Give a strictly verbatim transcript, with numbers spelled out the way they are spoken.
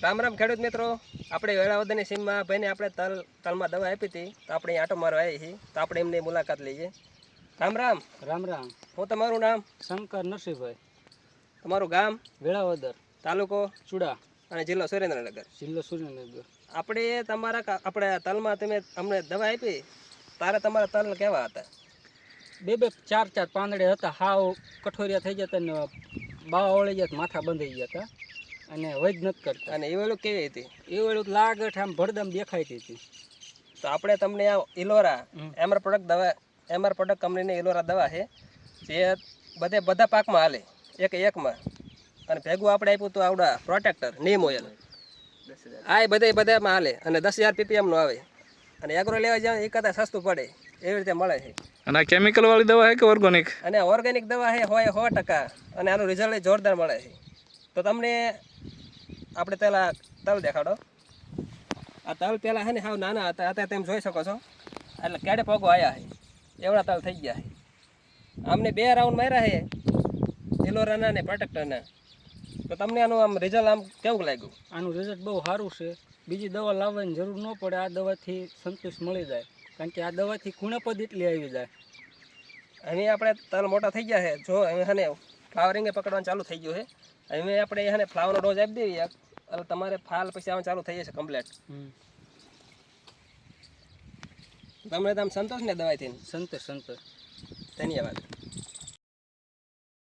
રામ રામ ખેડૂત મિત્રો, આપણે વેળાવદરની સીમમાં ભાઈને આપણે તલ તલમાં દવા આપી હતી, તો આપણે અહીં આટો મારવા આવી છીએ, તો આપણે એમની મુલાકાત લઈએ. રામ રામ. રામ રામ. હું તમારું નામ? શંકર નરસિંહભાઈ. તમારું ગામ? વેળાવદર. તાલુકો? ચુડા. અને જિલ્લો સુરેન્દ્રનગર. જિલ્લો સુરેન્દ્રનગર. આપણે તમારા આપણે તલમાં તમે અમને દવા આપી, તારે તમારા તલ કેવા હતા? બે બે ચાર ચાર પાંદડે હતા, હાવ કઠોરિયા થઈ જતા ને બાવા વળી ગયા, માથા બંધાઈ ગયા હતા અને વૈદ નથી કરતા. અને એ વેળું કેવી હતી? એ વેળું લાગઠ આમ ભરદમ દેખાતી હતી. તો આપણે તમને આ ઇલોરા એમઆર પ્રોડક્ટ દવા એમઆર પ્રોડક્ટ કંપનીની ઇલોરા દવા છે, જે બધે બધા પાકમાં હાલે એક એકમાં. અને ભેગું આપણે આપ્યું તો આવડા પ્રોટેક્ટર નીમ ઓઇલ, આ એ બધે બધામાં હાલે અને દસ હજાર પીપીએમનું આવે. અને એગ્રો લેવા જાવ એ કરતાં સસ્તું પડે એવી રીતે મળે છે. અને આ કેમિકલ વાળી દવા છે કે ઓર્ગેનિક? અને ઓર્ગેનિક દવા છે, હોય સો ટકા. અને આનું રિઝલ્ટ જોરદાર મળે છે. તો તમને આપણે પહેલાં તલ દેખાડો. આ તલ પહેલાં છે ને હાવ નાના હતા, અત્યારે તમે જોઈ શકો છો એટલે કેડે પગો આવ્યા છે, એવડા તલ થઈ ગયા છે. અમને બે રાઉન્ડ માર્યા છે ઇલોરાના ને પ્રોટેક્ટરના. તો તમને આનું આમ રિઝલ્ટ આમ કેવું લાગ્યું? આનું રિઝલ્ટ બહુ સારું છે. બીજી દવા લાવવાની જરૂર ન પડે, આ દવાથી સંતોષ મળી જાય, કારણ કે આ દવાથી કુણપદ એટલી આવી જાય. હવે આપણે તલ મોટા થઈ ગયા છે, જો હવે હને ફ્લાવરિંગે પકડવાનું ચાલુ થઈ ગયું છે. હવે આપણે એને ફ્લાવરનો ડોઝ આપી દઈએ એટલે તમારે ફાલ પછી આવવાનું ચાલુ થઈ જશે કમ્પ્લેટ. તમને તમે સંતોષ ને દવાથી? સંતોષ સંતોષ. ધન્યવાદ.